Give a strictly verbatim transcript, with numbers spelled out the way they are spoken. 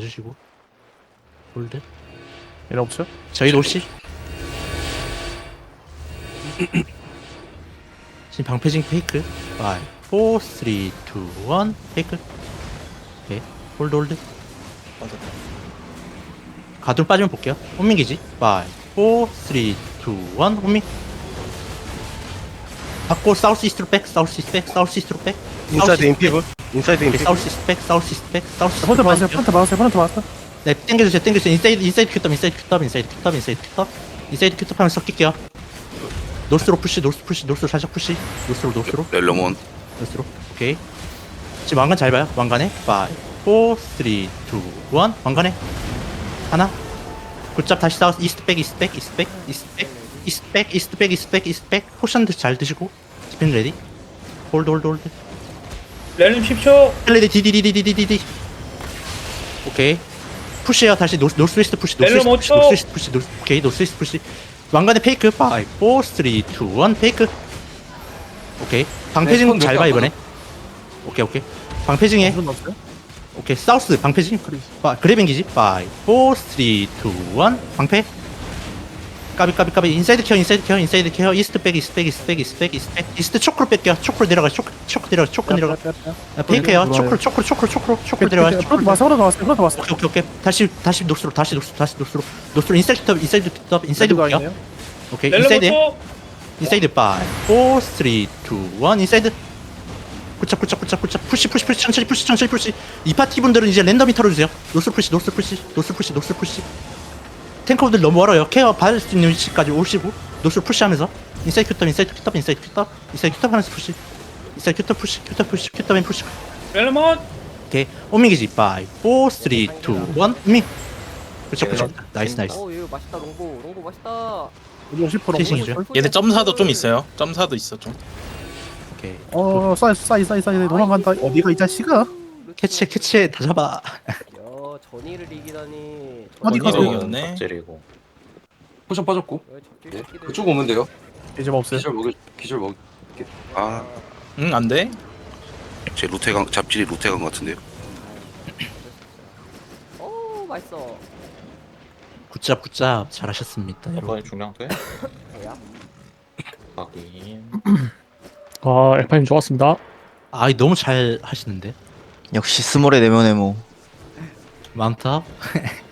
봐주시고. 홀드. 얘네 없어요? 저희 롤시. 지금 방패징 페이크. 오, 사, 삼, 이, 일 페이크. 오케이. 홀드 홀드. 가둘 빠지면 볼게요. 혼민기지. 오, 사, 삼, 이, 일 혼민. 받고 사우스 이스트로 백. 사우스 이스트 백. 사우스 이스트로 백. 인사이드 인피브 인사이드 오케이, 인피브 사우스 이스트 백. 사우스 이스트 백. 사우스 이스트 펀트 맞았어요. 백. 펀트 맞았어요. 펀트 맞았어. 네, 땡겨주세요, 땡겨주세요. 인사이드, 인사이드 큐탑, 인사이드 큐탑, 인사이드 큐탑, 인사이드 큐탑, 인사이드 큐탑 하면서 섞일게요. 노스로 푸시, 노스 푸시, 노스로 살짝 푸시, 노스로, 노스로, 렐로몬 노스로. 오케이. 지금 왕관 잘 봐요. 왕관에 오, 사, 삼, 이, 일 왕관에 하나. 굿잡 다시 사우스 이스트 백, 이스트 백, 이스트 백, 이스트 백, 이스트 백, 이스트 백, 이스트 백, 이스트 백. 포션 잘 드시고. 스핀 레디. 홀드, 홀드, 홀드. 렐름 십 초. 레디 디디디디디디디. 오케이. 푸시해요. 다시 노스 노스 웨스트 푸시. 노스 렐름 웨스트 푸시. 오 초. 노스 웨스트 푸시. 노스, 오케이. 노스 웨스트 푸시. 왕관의 페이크. 오, 사, 삼, 이, 일 페이크. 오케이. 방패징 네, 잘 봐 이번에. 오케이 오케이. 방패징해. 무슨 없어요? 오케이. 사우스 방패징. 아, 그래빙기지. 오, 사, 삼, 이, 일 방패. 까비 까비 까비. 인사이드 케어 인사이드 케어 인사이드 케어. 이스트 백 이스트 백 이스트 백 이스트 백 이스트 백. 이스트 초크로 뺄게요. 초크로 내려가. 초크 초크 내려가. 초크 내려가. 아, 페이크해요. 초크로 초크로 초크로 초크로 초크로 내려가. 펀트 맞았어. 펀트 맞았어. 펀트 맞았어. 오케이 오케이 오케이. 다시 다시 노스로 다시 노스 다시 노스로 노스로 인사이드 톱 인사이드 톱 인사이드 볼게요. 아니에요? 오케이 렐름 인사이드 오 초. 인사이드 오, 사, 삼, 이, 일 인사이드. 굿잡 굿잡 굿잡 굿잡 푸시 푸시 푸시 천천히 푸시 천천히 푸시. 이 파티 분들은 이제 랜덤이 털어주세요. 노스 푸시 노스 푸시 노스 푸시 노스 푸시. 탱커분들 너무 멀어요. 케어 받을 수 있는 위치까지 오시고 노스 푸시하면서 인사이드 큐탑 인사이드 큐탑 인사이드 큐탑 인사이드 큐탑 하면서 푸시. 인사이드 큐탑 푸시 큐탑 푸시 큐탑 앤 푸시. 렐름온. 오케이 오미기지 오, 사, 삼, 이, 일 오미. 그쵸 그쵸. 나이스 나이스. 어 이거 맛있다 롱보 롱보 맛있다. 오십 퍼센트. 피싱이죠. 얘네 점사도 좀 있어요. 점사도 있어 좀. 오케이. 어, 사이즈 사이즈 사이즈 사이즈 도망간다. 어디가 이 자식아? 캐치해 캐치해 다 잡아. 야 전이를 이기다니. 어디 가서 이겼네. 젤이고 포션 빠졌고 네. 네. 그쪽 오면 돼요 이제 없어요. 기절 먹을 기절 먹 아, 응, 안 돼. 제 루테강 잡질이 루테강 같은데요. 오 맛있어. 굿잡 굿잡 잘하셨습니다. 여러분. 이번에 중량 돼? 뭐야? 확인. 아, 엘파님 좋았습니다. 아 너무 잘 하시는데. 역시 스몰의 내면 에모. 많다.